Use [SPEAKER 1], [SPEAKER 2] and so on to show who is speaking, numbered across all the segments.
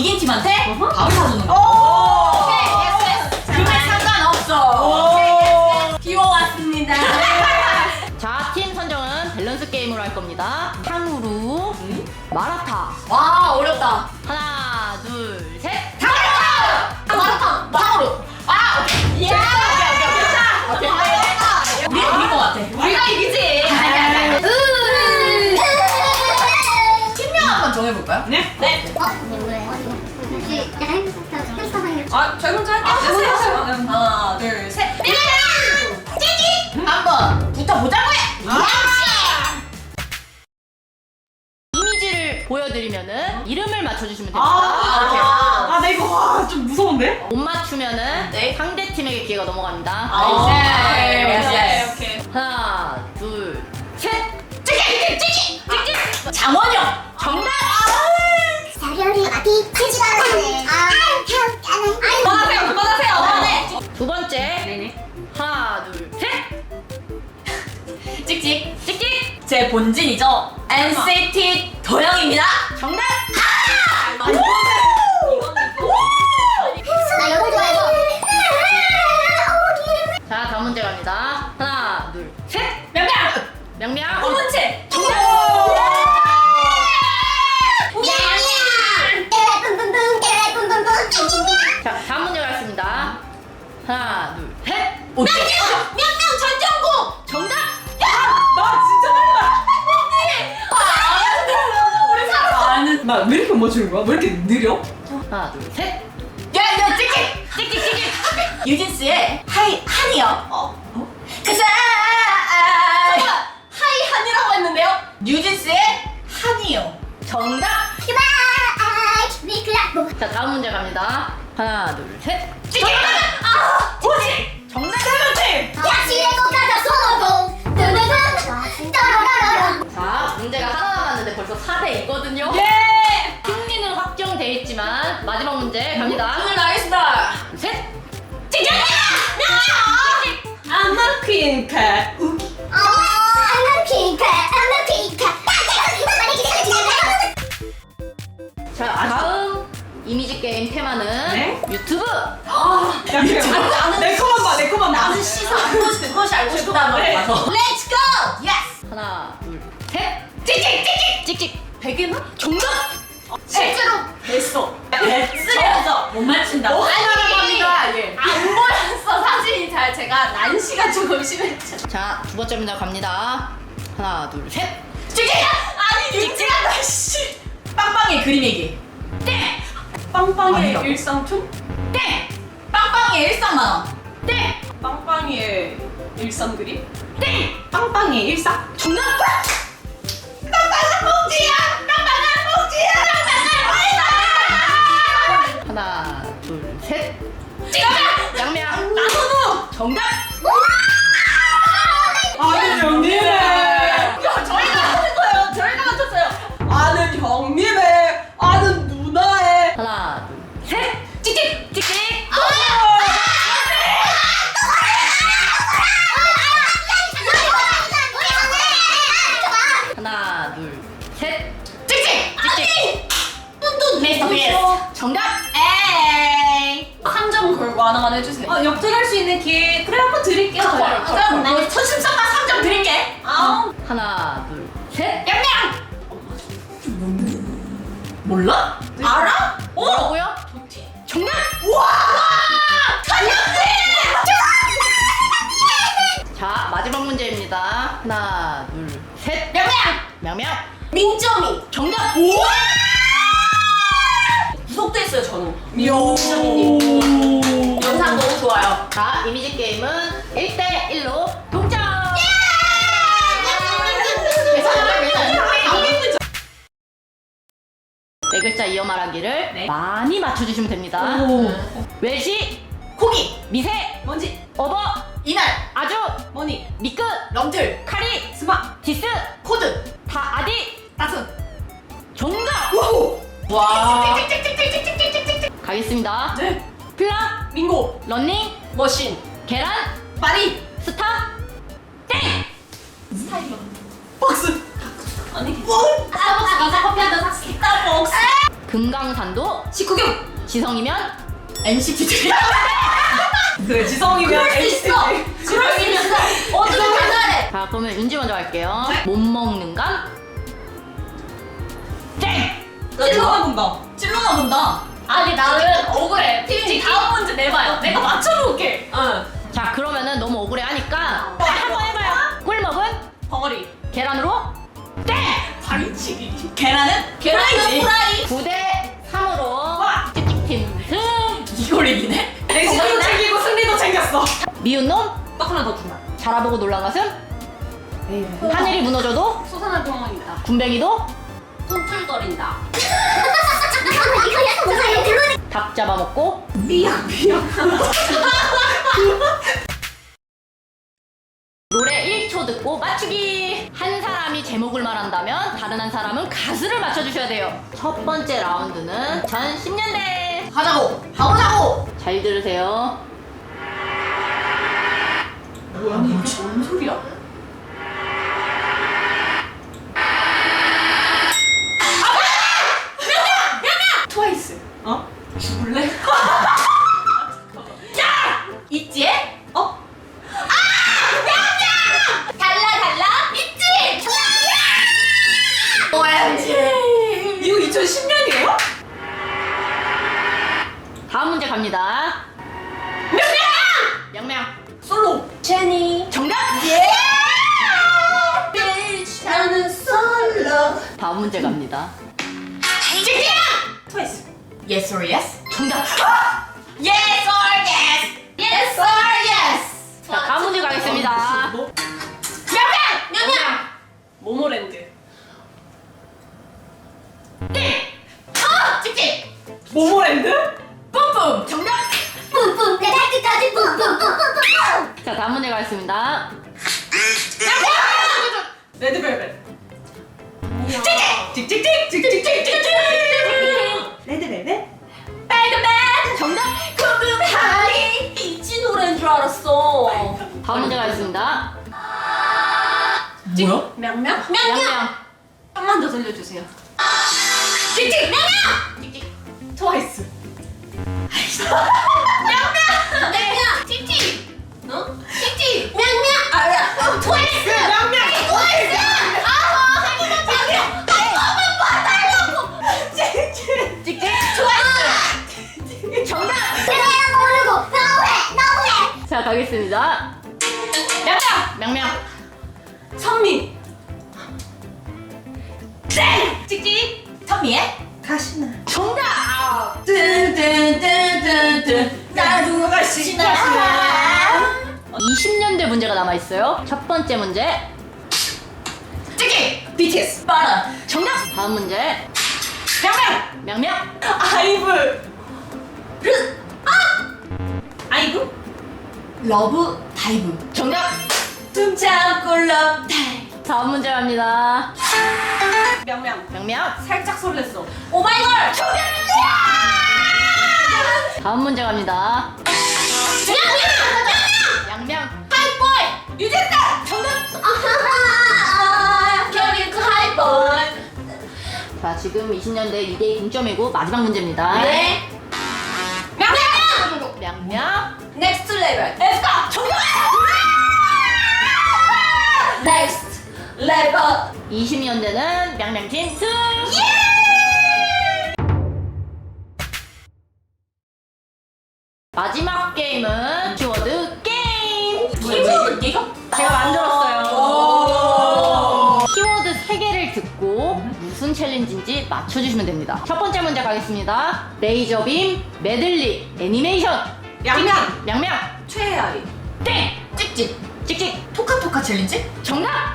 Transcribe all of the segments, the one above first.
[SPEAKER 1] 이긴 팀한테 밥을 사주는 거.
[SPEAKER 2] 오케이, 예스.
[SPEAKER 1] 금액 상관없어. 비워왔습니다.
[SPEAKER 3] 자, 팀 선정은 밸런스 게임으로 할 겁니다. 탕후루, 마라탕.
[SPEAKER 1] 와, 어렵다.
[SPEAKER 3] 하나, 둘, 셋.
[SPEAKER 1] 마라탕. 탕후루. 아, 오케이. 예. 오케이. 우리 이길 것 같아.
[SPEAKER 2] 우리가 이기지.
[SPEAKER 1] 팀명 한번 정해볼까요?
[SPEAKER 2] 네.
[SPEAKER 1] 네.
[SPEAKER 4] 혹시 약간 헬스타방이요?
[SPEAKER 2] 아, 저희 먼저 할게요.
[SPEAKER 1] 하나, 둘, 셋. 한번 붙어보자고요.
[SPEAKER 3] 이미지를 보여드리면은 이름을 맞춰주시면 됩니다.
[SPEAKER 2] 아, 나 이거 좀 무서운데?
[SPEAKER 3] 못 맞추면은
[SPEAKER 1] 네.
[SPEAKER 3] 상대 팀에게 기회가 넘어갑니다.
[SPEAKER 1] 오케이.
[SPEAKER 3] 하나, 둘, 셋.
[SPEAKER 1] 장원영.
[SPEAKER 3] 정답!
[SPEAKER 4] 사별이 비치지가 않네.
[SPEAKER 2] 그만하세요.
[SPEAKER 3] 두 번째.
[SPEAKER 2] 네네.
[SPEAKER 3] 하나, 둘, 셋.
[SPEAKER 1] 찍찍.
[SPEAKER 3] 찍찍.
[SPEAKER 1] 제 본진이죠. NCT 도영입니다.
[SPEAKER 3] 정답!
[SPEAKER 4] 나 영어 좋아해서.
[SPEAKER 3] 자, 다음 문제 갑니다. 하나, 둘, 셋.
[SPEAKER 1] 명명.
[SPEAKER 3] 명명.
[SPEAKER 1] 홍문채.
[SPEAKER 3] 자, 다음 문제 가겠습니다. 하나, 둘, 셋.
[SPEAKER 1] 명명 전정국.
[SPEAKER 3] 정답!
[SPEAKER 2] 나 진짜
[SPEAKER 1] 우리 살았어.
[SPEAKER 2] 나 왜 이렇게 못 맞추는 거야? 왜 이렇게 느려?
[SPEAKER 3] 하나, 둘, 셋.
[SPEAKER 1] 야, 찍찍.
[SPEAKER 3] 찍찍찍찍.
[SPEAKER 1] 유진스의 하이 한이요. 그사. 하이 한이라고 했는데요. 유진스의 한이요.
[SPEAKER 3] 정답! 자, 다음 문제 갑니다. 하나, 둘, 셋.
[SPEAKER 1] 찍찍. 오지.
[SPEAKER 3] 정답! 자, 문제가 하나 남았는데 벌써 4대 2거든요.
[SPEAKER 1] 예.
[SPEAKER 3] 승리는 확정돼 있지만 마지막 문제 갑니다.
[SPEAKER 1] 오늘 나가겠습니다.
[SPEAKER 3] 셋.
[SPEAKER 1] 찍찍.
[SPEAKER 2] 아마 퀸카.
[SPEAKER 3] 자, 다음 이미지 게임 테마는
[SPEAKER 2] 네?
[SPEAKER 3] 유튜브.
[SPEAKER 2] 야, 그래. 내 코만 봐, 내 코만 봐.
[SPEAKER 1] 나는 시사 그것이 알고 싶다.
[SPEAKER 2] 네.
[SPEAKER 1] Let's go. Yes.
[SPEAKER 3] 하나, 둘, 셋.
[SPEAKER 1] 찍찍.
[SPEAKER 3] 찍찍.
[SPEAKER 1] 베개나?
[SPEAKER 3] 정답!
[SPEAKER 1] 실제로 됐어. 쓰레기죠. 못 맞춘다.
[SPEAKER 2] 합니다. 예.
[SPEAKER 1] 안 보였어. 사진이 잘 제가 난시가 조금 심했죠.
[SPEAKER 3] 자, 두 번째 문제 갑니다. 하나, 둘, 셋.
[SPEAKER 1] 찍찍. 아니 육지한다 씨. 빵빵의 그림 얘기. 땡.
[SPEAKER 2] 빵빵의
[SPEAKER 1] 아니라고?
[SPEAKER 2] 일상툰?
[SPEAKER 1] 땡. 빵빵의 일상만원.
[SPEAKER 3] 땡!
[SPEAKER 2] 빵빵의 일상 그림?
[SPEAKER 3] 땡!
[SPEAKER 2] 빵빵의 일상?
[SPEAKER 3] 정답!
[SPEAKER 1] 빵빵한 봉지야. 빵빵한 봉지야. 빵빵한 봉지야.
[SPEAKER 3] 하나, 둘, 셋.
[SPEAKER 1] 찍어봐.
[SPEAKER 3] 양명.
[SPEAKER 1] 나선우.
[SPEAKER 3] 정답!
[SPEAKER 2] 아는 형님의
[SPEAKER 1] 저희가 하는 거예요. 저희가 맞췄어요.
[SPEAKER 2] 아는 형님의 아는 누나의
[SPEAKER 3] 하나, 둘, 셋.
[SPEAKER 1] 찍찍.
[SPEAKER 3] 찍찍. 하나, 둘, 셋.
[SPEAKER 1] 찍찍.
[SPEAKER 3] 찍찍.
[SPEAKER 1] 뚠뚠 미스터 비스.
[SPEAKER 3] 정답!
[SPEAKER 1] 에이. 3점 걸고 하나만 해주세요.
[SPEAKER 2] 역전할 수 있는 기회 그래 한번 드릴게요.
[SPEAKER 1] 그럼 나 천심성만 3점 드릴게.
[SPEAKER 3] 하나, 둘, 셋.
[SPEAKER 1] 양양. 몰라? 알아?
[SPEAKER 3] 뭐라고요? 정답!
[SPEAKER 1] 우와! 간현지!
[SPEAKER 3] 자, 마지막 문제입니다. 하나, 둘, 셋.
[SPEAKER 1] 양양!
[SPEAKER 3] 명명.
[SPEAKER 1] 민점이.
[SPEAKER 3] 정답!
[SPEAKER 1] 우와! 구속됐어요 저는.
[SPEAKER 2] 요.
[SPEAKER 1] 영상 너무 좋아요.
[SPEAKER 3] 자, 이미지 게임은 1대1로 동점! 네 글자 이어 말하기를
[SPEAKER 2] 네.
[SPEAKER 3] 많이 맞춰주시면 됩니다. 외시,
[SPEAKER 1] 고기,
[SPEAKER 3] 미세,
[SPEAKER 2] 뭔지
[SPEAKER 3] 어버,
[SPEAKER 1] 이날,
[SPEAKER 3] 아주,
[SPEAKER 2] 뭐니
[SPEAKER 3] 미끝,
[SPEAKER 1] 럼틀,
[SPEAKER 3] 카리,
[SPEAKER 2] 스마
[SPEAKER 3] 디스,
[SPEAKER 1] 코드,
[SPEAKER 3] 다 아디,
[SPEAKER 2] 따스
[SPEAKER 3] 정답!
[SPEAKER 1] 와.
[SPEAKER 3] 가겠습니다.
[SPEAKER 1] 네.
[SPEAKER 3] 플라,
[SPEAKER 2] 민고
[SPEAKER 3] 런닝,
[SPEAKER 1] 머신,
[SPEAKER 3] 계란,
[SPEAKER 1] 마리,
[SPEAKER 3] 스타, 땡!
[SPEAKER 1] 박스. 아니. 뭐? 스타벅스 가서 커피 한잔 샀어. 스타벅스.
[SPEAKER 3] 금강산도
[SPEAKER 1] 식구경.
[SPEAKER 3] 지성이면
[SPEAKER 1] NCT 드림.
[SPEAKER 2] 그래 지성이면
[SPEAKER 1] 그럴 수 있어. 그럴 수 있어. 어떻게 잘해?
[SPEAKER 3] 자 그러면 윤지 먼저 갈게요. 못 먹는 감 땡!
[SPEAKER 2] 찔러나 본다.
[SPEAKER 1] 찔러나 본다.
[SPEAKER 2] 아니 나는 억울해. 팀이 다음 문제 내봐요. 내가 맞춰볼게. 응.
[SPEAKER 3] 자 그러면은 너무 억울해 하니까 한번 해봐요. 꿀먹은
[SPEAKER 2] 벙어리.
[SPEAKER 3] 계란으로 땡!
[SPEAKER 2] 다리치기.
[SPEAKER 1] 계란은 프라이.
[SPEAKER 3] 9대 3으로 찍찍팀 승!
[SPEAKER 1] 이걸 이기네?
[SPEAKER 2] 내신도 챙기고 승리도 챙겼어.
[SPEAKER 3] 미운 놈
[SPEAKER 2] 떡 하나 더 준다.
[SPEAKER 3] 자라보고 놀란 가슴 하늘이 무너져도
[SPEAKER 2] 솟아날 병원이다.
[SPEAKER 3] 군뱅이도
[SPEAKER 2] 툴툴거린다.
[SPEAKER 4] 잠깐만 이거 약간 뭐야 이거 글로
[SPEAKER 3] 닭 잡아먹고
[SPEAKER 2] 삐약 삐약.
[SPEAKER 3] 노래 1초 듣고 맞추기! 한 사람이 제목을 말한다면 다른 한 사람은 가수를 맞춰주셔야 돼요. 첫 번째 라운드는 전 10년대.
[SPEAKER 1] 가자고. 가보자고.
[SPEAKER 3] 잘 들으세요.
[SPEAKER 2] 뭐야 이게 뭔 소리야? 트와이스. 어? 죽을래?
[SPEAKER 1] 있지?
[SPEAKER 2] 어?
[SPEAKER 1] 달라 있지? OMG.
[SPEAKER 2] 이거 2010년이에요?
[SPEAKER 3] 다음 문제 갑니다. 명명!
[SPEAKER 2] 솔로. 제니.
[SPEAKER 3] 정답!
[SPEAKER 1] 예.
[SPEAKER 2] 나는 솔로.
[SPEAKER 3] 다음 문제 갑니다.
[SPEAKER 2] 트와이스.
[SPEAKER 1] Yes or yes?
[SPEAKER 3] 정답!
[SPEAKER 1] Yes or yes? Yes or yes?
[SPEAKER 3] 자, 다음 문제 가겠습니다.
[SPEAKER 2] 뭐?
[SPEAKER 1] 명명.
[SPEAKER 2] 모모랜드.
[SPEAKER 1] 찍찍.
[SPEAKER 2] 모모랜드?
[SPEAKER 1] 뿜뿜. 정답.
[SPEAKER 4] 뿜뿜 내 발끝까지 뿜뿜뿜뿜뿜
[SPEAKER 3] 자, 다음 문제 가겠습니다.
[SPEAKER 2] 레드벨벳.
[SPEAKER 1] 찍찍찍찍찍찍찍찍찍.
[SPEAKER 2] 레드벨벳?
[SPEAKER 1] 빨간맛.
[SPEAKER 3] 정답!
[SPEAKER 1] 궁금하니.
[SPEAKER 2] 이지 노래인 줄 알았어.
[SPEAKER 3] 다음 문제 가겠습니다.
[SPEAKER 1] 뭐야?
[SPEAKER 2] 명명?
[SPEAKER 3] 명명!
[SPEAKER 2] 한번 더 들려주세요.
[SPEAKER 1] 찍찍.
[SPEAKER 2] 트와이스.
[SPEAKER 1] 명명. 찍찍.
[SPEAKER 2] 어?
[SPEAKER 1] 찍찍. 명명. 아야. 트와이스.
[SPEAKER 2] 명명.
[SPEAKER 1] 트와이스. 아, 명명. 한번만 봐달라고. 찍찍.
[SPEAKER 3] 찍찍!
[SPEAKER 1] 트와이스.
[SPEAKER 3] 정답!
[SPEAKER 4] 내가 모르고 너무해
[SPEAKER 3] 자, 가겠습니다.
[SPEAKER 1] 명명.
[SPEAKER 3] 명명!
[SPEAKER 2] 선미.
[SPEAKER 1] 땡. 찍찍. 선미의
[SPEAKER 2] 가시나.
[SPEAKER 3] 정답!
[SPEAKER 1] 뜬뜬뜬뜬뜬 나도 가시나.
[SPEAKER 3] 20년대 문제가 남아있어요. 첫 번째 문제.
[SPEAKER 1] 찍찍. BTS. 빠라.
[SPEAKER 3] 정답! 다음 문제.
[SPEAKER 1] 명명.
[SPEAKER 3] 명명!
[SPEAKER 2] 아이브.
[SPEAKER 1] 르.
[SPEAKER 2] 아이브?
[SPEAKER 1] 러브 다이브.
[SPEAKER 3] 정답!
[SPEAKER 1] 숨 참고 러브 다이브.
[SPEAKER 3] 다음 문제 갑니다.
[SPEAKER 2] 명명.
[SPEAKER 3] 명명!
[SPEAKER 2] 살짝 설렜어.
[SPEAKER 1] 오마이걸. 정답이야.
[SPEAKER 3] 다음 문제 갑니다.
[SPEAKER 1] 명명.
[SPEAKER 3] 양명!
[SPEAKER 1] 하이보이. 유재석. 정답. 결이 그 하이보이.
[SPEAKER 3] 자, 지금 20년대 2대2 동점이고 마지막 문제입니다.
[SPEAKER 1] 네. 명명.
[SPEAKER 3] 명명!
[SPEAKER 1] 넥스트 레벨. 에스카. 정답. 넥스트 레벨.
[SPEAKER 3] 20년대는 명명팀 승! 마지막 게임은 키워드 게임!
[SPEAKER 1] 키워드 네가?
[SPEAKER 3] 제가 만들었어요. 키워드 3개를 듣고 무슨 챌린지인지 맞춰주시면 됩니다. 첫 번째 문제 가겠습니다. 레이저빔 메들리 애니메이션
[SPEAKER 2] 양양.
[SPEAKER 3] 명명
[SPEAKER 2] 최애아리.
[SPEAKER 3] 땡!
[SPEAKER 1] 찍찍.
[SPEAKER 3] 찍찍
[SPEAKER 1] 토카토카 챌린지?
[SPEAKER 3] 정답!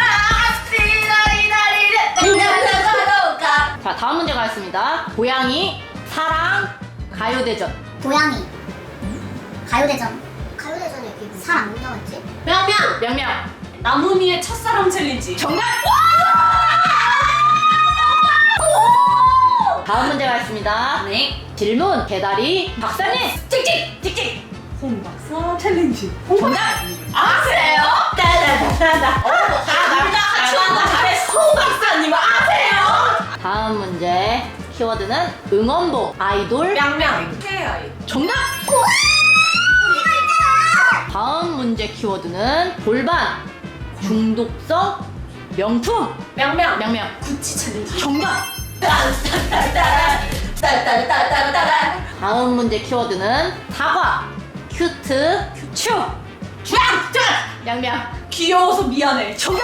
[SPEAKER 1] 나가로가.
[SPEAKER 3] 자, 다음 문제 가겠습니다. 고양이 사랑 가요대전
[SPEAKER 4] 고양이 가요대전 가요대전에 사람 못 나왔지?
[SPEAKER 2] 명명.
[SPEAKER 3] 명명
[SPEAKER 2] 나무미의 첫사랑 챌린지.
[SPEAKER 3] 정답! 다음 문제 가겠습니다.
[SPEAKER 1] 네.
[SPEAKER 3] 질문 개다리 박사님 찍찍 찍찍
[SPEAKER 2] 홍박사 챌린지.
[SPEAKER 3] 정답!
[SPEAKER 1] 아세요?
[SPEAKER 2] 따다다다다.
[SPEAKER 1] 다 남자 하추한다 잘했어. 송 박사님 아세요?
[SPEAKER 3] 다음 문제 키워드는 응원봉, 아이돌.
[SPEAKER 1] 명명. 태아이.
[SPEAKER 3] 정답! 다음 문제 키워드는 골반, 중독성, 명품.
[SPEAKER 1] 명명.
[SPEAKER 3] 명명.
[SPEAKER 1] 구찌 챌린지.
[SPEAKER 3] 정답!
[SPEAKER 1] 따따따따따따따따따따.
[SPEAKER 3] 다음 문제 키워드는 사과, 큐트, 츄.
[SPEAKER 1] 쫙! 쫙!
[SPEAKER 3] 명명.
[SPEAKER 1] 귀여워서 미안해.
[SPEAKER 3] 정답!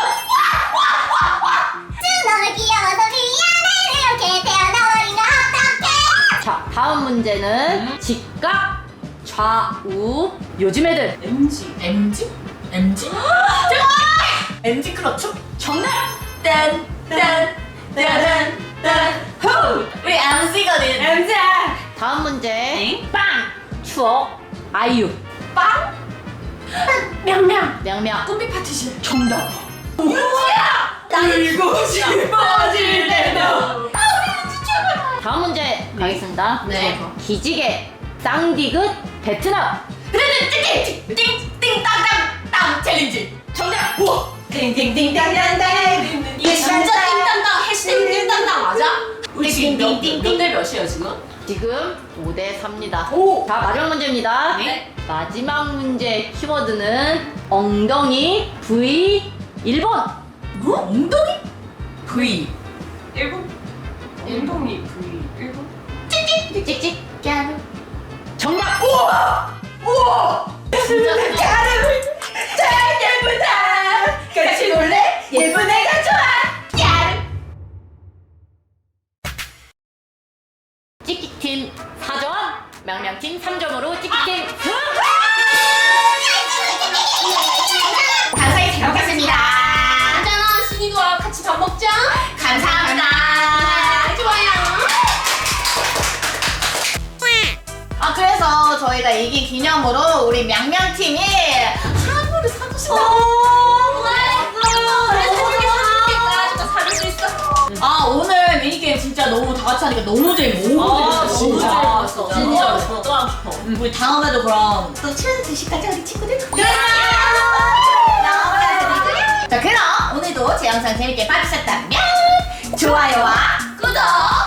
[SPEAKER 4] 너무 귀여워서 미안해. 이렇게 태어나버린 거 어떡해.
[SPEAKER 3] 자, 다음 문제는 직각, 좌우. 요즘 애들.
[SPEAKER 1] MG. MG? MG? MG 클럽춤?
[SPEAKER 3] 정답!
[SPEAKER 1] 딴, 딴, 따란, 딴, 후! 우리 MC거든. MG!
[SPEAKER 3] 다음 문제.
[SPEAKER 1] 엥?
[SPEAKER 3] 빵! 추억, 아이유.
[SPEAKER 1] 빵? 명명.
[SPEAKER 3] 명명.
[SPEAKER 1] 꿈비 파티션.
[SPEAKER 3] 정답!
[SPEAKER 1] 우지야! 울고 싶어질 때도.
[SPEAKER 3] 다음 문제 가겠습니다.
[SPEAKER 1] 네.
[SPEAKER 3] 기지개, 쌍디귿, 베트남.
[SPEAKER 1] 띵띵띵띵땅땅땅 챌린지.
[SPEAKER 3] 정답!
[SPEAKER 1] 우와! 띵띵띵땅땅땅. 이게 진짜 띵땅땅 해시태그 띵땅땅 맞아? 우리 지금 몇대 몇이에요 지금?
[SPEAKER 3] 지금 5대 4입니다.
[SPEAKER 1] 오!
[SPEAKER 3] 자, 마지막 문제입니다.
[SPEAKER 1] 네.
[SPEAKER 3] 마지막 문제 키워드는 엉덩이, V, 1번.
[SPEAKER 1] 뭐? 엉덩이? V 1번? 엉덩이 V 1번?
[SPEAKER 3] 찍찍. 정답!
[SPEAKER 1] 우와! 우와!
[SPEAKER 2] 진짜
[SPEAKER 1] 가를 잘 예쁘다 같이 놀래? 예쁜 애가 좋아 야!
[SPEAKER 3] 찍찍팀 4점, 명명팀 3점으로 찍찍팀 승!
[SPEAKER 1] 감사히 잘 먹겠습니다
[SPEAKER 2] 괜찮아. 신이도와 같이 밥 먹자.
[SPEAKER 1] 감사합니다
[SPEAKER 2] 좋아요.
[SPEAKER 1] 아 그래서 저희가 이긴 기념으로 우리 명명팀이 한우를 사주신다고 아 오늘 미니게임 진짜 너무 다 같이 하니까 너무 재밌어
[SPEAKER 2] 아,
[SPEAKER 1] 너무
[SPEAKER 2] 너무
[SPEAKER 1] 재밌었어
[SPEAKER 2] 재밌었어.
[SPEAKER 1] 진짜
[SPEAKER 2] 진짜 또 하고 싶어.
[SPEAKER 1] 우리 다음에도 그럼 또 친한 드시까지 우리 친구들 자 그럼 오늘도 제 영상 재밌게 봐주셨다면 좋아요와 구독